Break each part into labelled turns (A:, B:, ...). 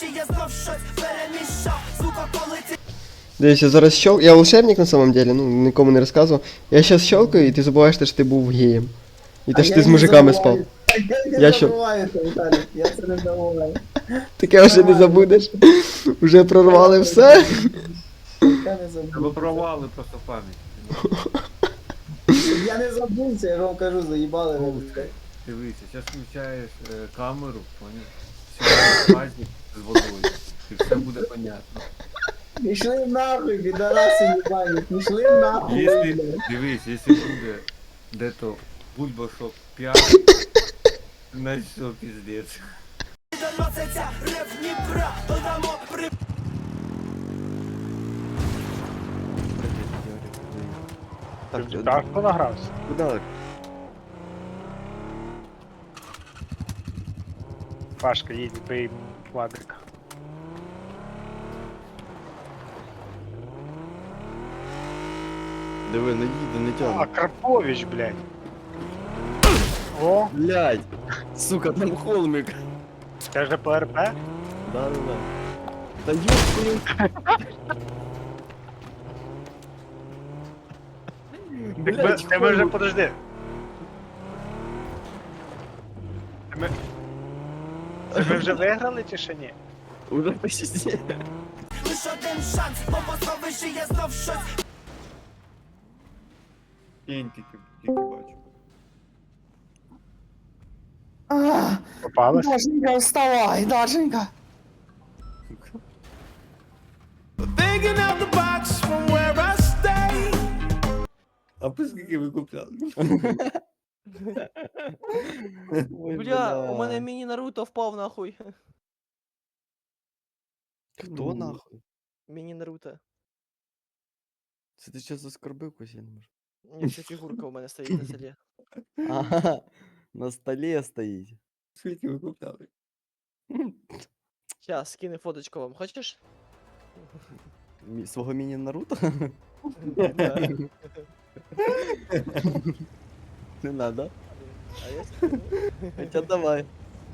A: Дивись, я зараз щелкаю. Я волшебник на самом деле, ну, нікому не розказував. Я щас щелкаю, і ти забуваєш, те, що ти був геєм. І те, що ти з мужиками спав.
B: Я
A: Я
B: не
A: що?
B: забуваю це, Віталік, я це не забуваю.
A: Таке вже не забудеш. Уже прорвали все.
B: Я не
C: Тебе
B: забув.
C: провали просто пам'ять.
B: Я не забувся, я ж вам кажу, заїбали ви. блядь.
C: Дивися, зараз включаєш камеру, поняв? Все, пазник з водою. І все буде понятно.
B: Пішли нахуй, підараси їбані, пішли нахуй.
C: Если,
B: блядь.
C: дивись, якщо буде де-то бульбашок 5, значить все, піздець.
D: Так, так, хто награвся?
A: Куда?
D: Пашка, їдь, бий квадрика.
E: Диви, не їде, не
D: А,
E: тягне.
D: Карпович, блядь. О,
E: Блядь! Сука, там холмик.
D: це вже по РП?
E: Да. Та ёб
D: Ти ми вже, подожди. Це ми вже виграли чи ще ні?
E: Уже почти.
C: Кінь тільки бачу.
D: Попалась?
B: Дашенька, вставай, Дашенька.
C: А по скільки ви купляли?
F: Бля, у мене міні-Наруто впав нахуй.
E: Хто нахуй?
F: Міні-Наруто.
E: Це ти щас оскорбив когось, я не можу.
F: Ні, це фігурка у мене стоїть на селі.
E: Ага, на столі стоїть.
C: Скільки ви купляли?
F: Щас, скину фоточку вам, хочеш?
E: Свого міні-Наруто?
F: Да.
E: Не надо.
F: А я скину.
E: Хоча давай.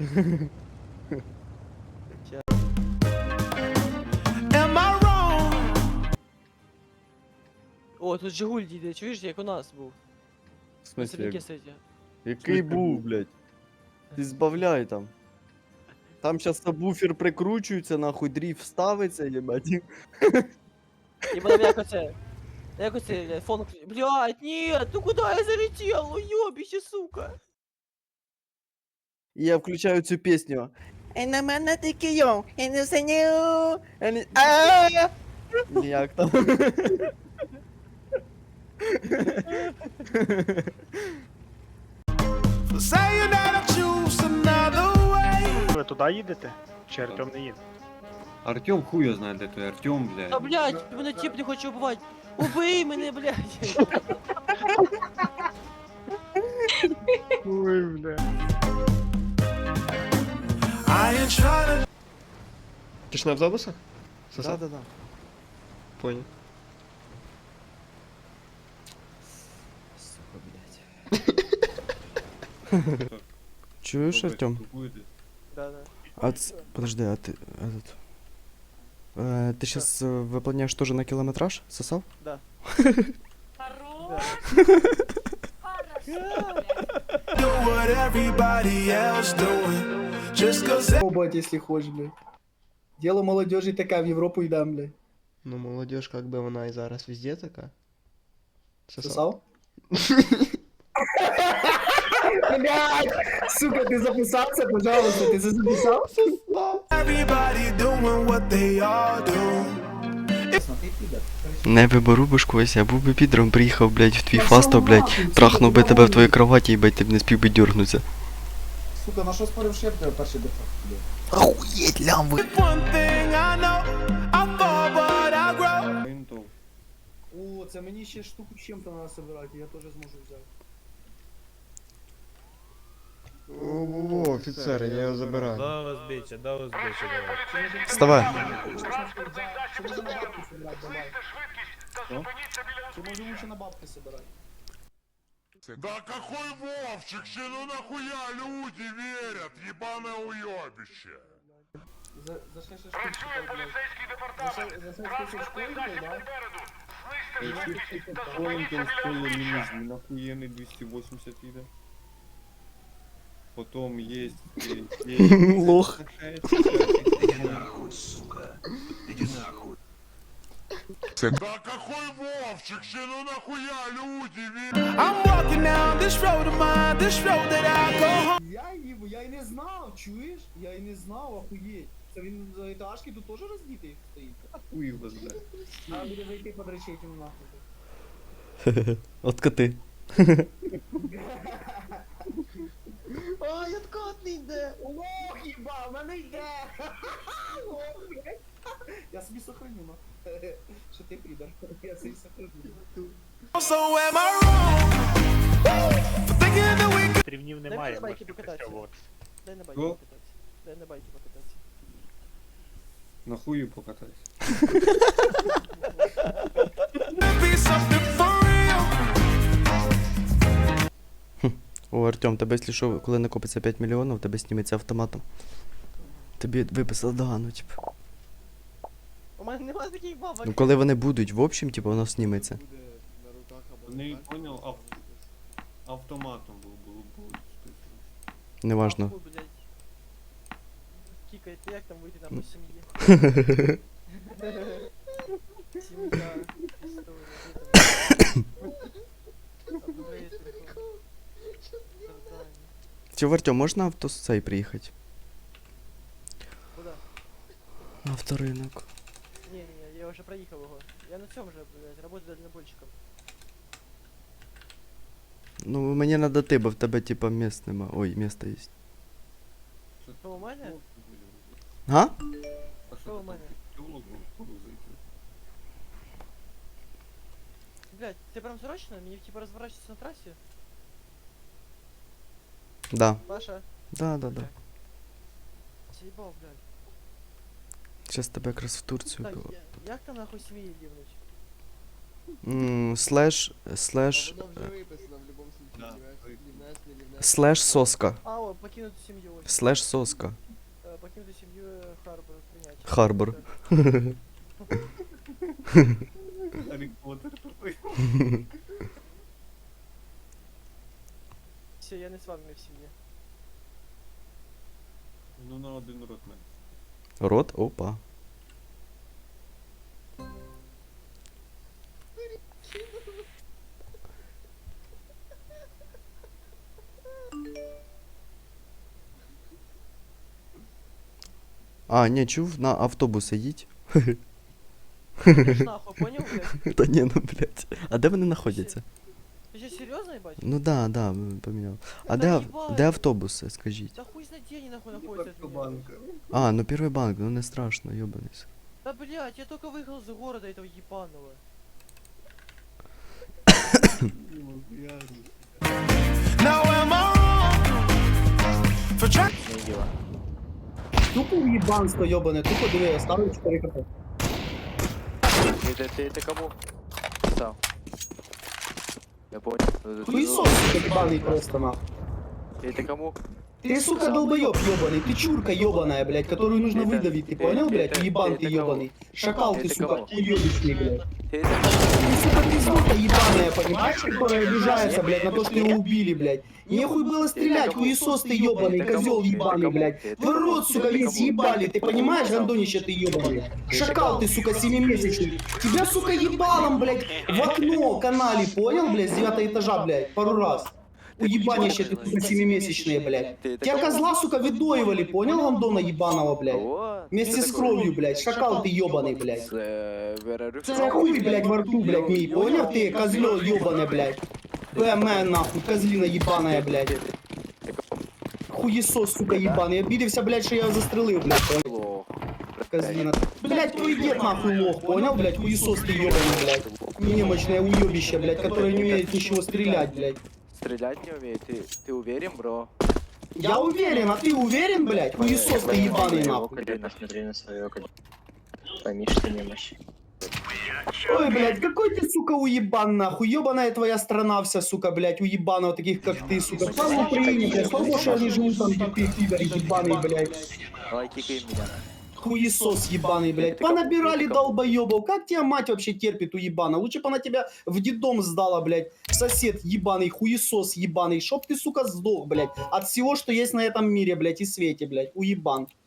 F: О, тут Жигуль їде, чуєш, як у нас був?
E: В смысле,
F: Сергій
E: як...
F: сидить.
E: який був, блядь? Ти збавляй там. Там щас сабвуфер прикручується, нахуй дріфт ставиться, їбать.
F: І потім як оце, блядь, фон... Блядь, нет, ну куда я залетел, уёбище, сука.
E: І я включаю цю пісню. І на мене тільки йо, і не синю, і не... Ааа! Як там?
D: Ви туди їдете? Чи Артем не їде?
C: Артем хуя знає, де той Артем,
F: Та,
C: блядь.
F: блядь, мене тип не хоче убивати. Убий мене, блядь.
D: Ой, бля.
A: Ти ж на автобусах? Сосав?
E: Да.
A: Понял.
E: Сука, блядь. Чуєш, Артем?
F: Да.
E: А подожди, а ты этот... ты сейчас выполняешь тоже на километраж? Сосал?
F: Да.
B: Побать, если хочешь, блядь. Дело молодежи таке, в Європу йдем, блядь.
A: Ну, молодежь, как бы вона і зараз везде така.
B: Сосав? Блядь! Сука, ти записався, пожалуйста, ти це записав?
E: Не виберу башкось, я був би підром, приїхав, блядь, в твій фасто, блядь, трахнув би тебе в твоїй кроваті, їбать, ти б не спів би дюрнуться.
B: Сука, на що спорив шеф тебе перший дефект, блядь?
E: Охуєть, лямви!
B: О, це мені ще штуку з чим-то треба собирати, я теж зможу взяти.
A: О, офіцер, я його забираю.
G: Да, узбече, давай.
E: Вставай.
B: Чи може на бабки собирати, давай. Чи може лучше на бабки собирати?
H: Да какой Вовчик, ну нахуя люди верят, ебаное уебище?
B: За 6 штук, блядь. За 6 тисяч коїнів, да?
E: Коленьким стоїть мінімум, нахуя не 280 іде. Потом есть...
A: Лох.
H: Да какой Вовчик, ще ну нахуя люди,
G: I'm walking down this road of mine, this road that I go home.
B: Я й не знав, чуєш? Я й не знав, охуєть. Це він за етажки тут теж роздітий стоїть?
E: Хуй его знает.
B: Надо буде зайти подречить йому нахуй.
A: От коти.
B: Ой, откатний йде! Лох, їба, в мене йде! Лох, блядь. Я собі сохраню, нахуй. Що ти підар? Я собі сохраню.
G: So am I wrong for thinking that we could
D: Стрівнів
F: Дай
D: немає,
F: мені байки
D: можете
F: покататися.
D: пристягуватися.
F: Дай на байки
E: Що?
F: покататися. Дай на байки покататися.
E: Нахую покатайся.
G: be something for real?
A: О, Артем, тебе, якщо що, коли накопиться 5 мільйонів, тебе зніметься автоматом. Тобі виписали догану, типу.
F: У мене нема таких бабок.
A: Ну коли вони будуть, в общем, типу, воно зніметься.
E: Не понял, автоматом було
A: Неважно.
F: Ахуй, блядь. Кікай, ти як там вийти там по сім'ї? Сім'я, історія, апгрейд, завдання.
A: Чи в Артем, можна авто з цей приїхати?
F: Куда?
A: На авторинок.
F: Не, я уже проехал его. Я на цьому же, блядь, работаю дальнобойщиком.
A: Ну, мені надо ти, бо в тебе, типа, місць нема. Ой, місто є.
F: Що у мене?
A: Га?
F: Що у мене? Блядь, ти прям срочно? Мені типа розворачиваться на трасі?
A: Да.
F: Паша?
A: Да.
F: Съебал, блядь.
A: Щас тебе якраз в Турцію.
F: Так, як там нахуй сім'ї дівнуть?
A: Слеш соска.
F: А, о, покинути сім'ю. ось.
A: Слеш соска.
F: Покинути сім'ю Харбор прийняти.
A: Харбор.
E: Гаррі Поттер такой.
F: Все, я не з вами в сім'ї.
E: Ну на один рот мене.
A: Рот? Опа. А, не, чув, на автобуси їдь.
F: Ти ж нахуй, понял, блядь?
A: Та ні, ну, блядь. А де вони знаходяться?
F: Ти що, серйозно, їбать?
A: Ну да, поміняв. А
F: Та
A: де,
F: їбать.
A: де автобуси, скажіть?
F: Да хуй знает, где они нахуй находятся от меня.
E: Банка.
A: А, ну перший банк, ну не страшно, ёбаний.
F: Да блядь, я только выехал из города этого ебаного.
G: Now am I wrong for trying?
B: Тупо уїбанство, йобане, тупо диви, я ставлю 4 кп.
I: Ты кому? Сам. Я понял.
B: Хуїсос, сука, ебаний просто нахуй.
I: Ты кому?
B: Ты, сука, долбоёб ёбаный, ты чурка ёбаная, блядь, которую нужно выдавить, ты понял, блядь, уебан ты ёбаный. Шакал ты, сука, уёбищный, блядь.
I: Ты
B: Ты, сука, пиздуха ебаная, понимаешь, которая обижается, блядь, на то, что его убили, блядь. Нехуй было стрелять, хуесос ты ёбаный, козёл ебаный, блядь. Твой рот, сука, весь ебали, ты понимаешь, гандонище ты ёбаный. Шакал ты, сука, 7-месячный. Тебя, сука, ебалом, блядь, в окно канали, понял, блядь, с 9 этажа, блядь, пару раз. Уебанище ты, сука, 7-месячные, блядь. Тебя козла, сука, выдоивали, понял, гандона ебаного, блядь. Вместе с кровью, блядь, шакал ты ёбаный, блядь. Це хуй, блядь, во рту, блядь, мій, понял ты, козлё ёбаное, блядь. ПМ, нахуй, козлина ебаная, блядь. Хуесос, сука, ебаный. Обиделся, блядь, что я его застрелил, блядь, понял? Козлина. Блядь, твой дед, нахуй, лох, понял, блядь, хуесос ты ёбаный, блядь. Немощное уёбище, блядь, которое не умеет ничего стрелять, блядь.
I: Стрелять не умеет. Ты уверен, бро?
B: Я уверен, а ты уверен, блядь? Хуесос ты ебаный, нахуй.
I: Смотри на свое пойми, что немощь.
B: Ой, блядь, какой ты, сука, уебан, нахуй. Ёбаная твоя страна вся, сука, блядь, уебанов таких, как ты, сука. Слава Украине, блядь, слава, что они живут там, где ты, пидор, ебаный, блядь.
I: Давай кикай меня.
B: Хуесос ебаный, блядь. Понабирали долбоебов. Как тебя мать вообще терпит, уебана? Лучше бы она тебя в детдом сдала, блядь. Сосед ебаный, хуесос ебаный. Чтоб ты, сука, сдох, блядь. От всего, что есть на этом мире, блядь, и свете, блядь. Уебан.